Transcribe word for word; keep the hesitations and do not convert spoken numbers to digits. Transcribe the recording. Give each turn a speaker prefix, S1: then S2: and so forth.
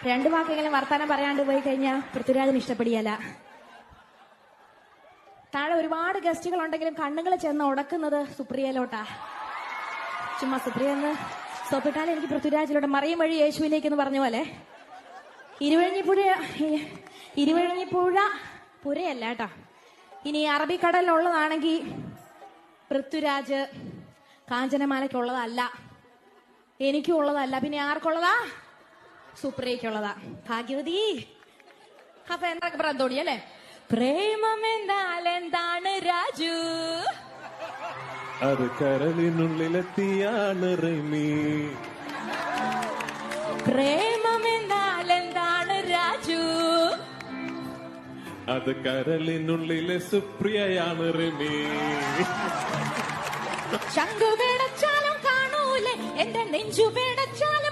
S1: രണ്ടു വാക്കെങ്കിലും വർത്താനം പറയാണ്ട് പോയി കഴിഞ്ഞാൽ പൃഥ്വിരാജിന് ഇഷ്ടപ്പെടിയല്ല. താഴെ ഒരുപാട് ഗസ്റ്റുകൾ ഉണ്ടെങ്കിലും കണ്ണുകൾ ചെന്ന് ഉടക്കുന്നത് സുപ്രിയയിലോട്ടാ. ചുമ്മാ സുപ്രിയ എന്ന് സോപ്പിട്ടാലും എനിക്ക് പൃഥ്വിരാജിലൂടെ മറിയും വഴി യേശുവിലേക്ക് എന്ന് പറഞ്ഞ പോലെ ഇരുവഴിഞ്ഞിപ്പുഴ ഇരുവഴിഞ്ഞിപ്പുഴ പുരയല്ല കേട്ടോ. ഇനി അറബിക്കടലിലുള്ളതാണെങ്കിൽ പൃഥ്വിരാജ് കാഞ്ചനമാലയ്ക്കുള്ളതല്ല, എനിക്കും ഉള്ളതല്ല, പിന്നെ ആർക്കുള്ളതാ? സുപ്രിയക്കുള്ളതാ. ഭാഗ്യവതി. അപ്പൊ എന്തൊക്കെ പറഞ്ഞോടി അല്ലേ? പ്രേമം എന്നാൽ എന്താണ് രാജു?
S2: അത് കരളിനുള്ളിലെത്തിയാണ് റിമി.
S1: പ്രേമം എന്നാൽ എന്താണ് രാജു?
S2: അത് കരളിനുള്ളിലെ സുപ്രിയയാണ് റിമി.
S1: ശംഖു പേടച്ചാലും കാണൂലേ, എന്റെ നെഞ്ചു പേടച്ചാലും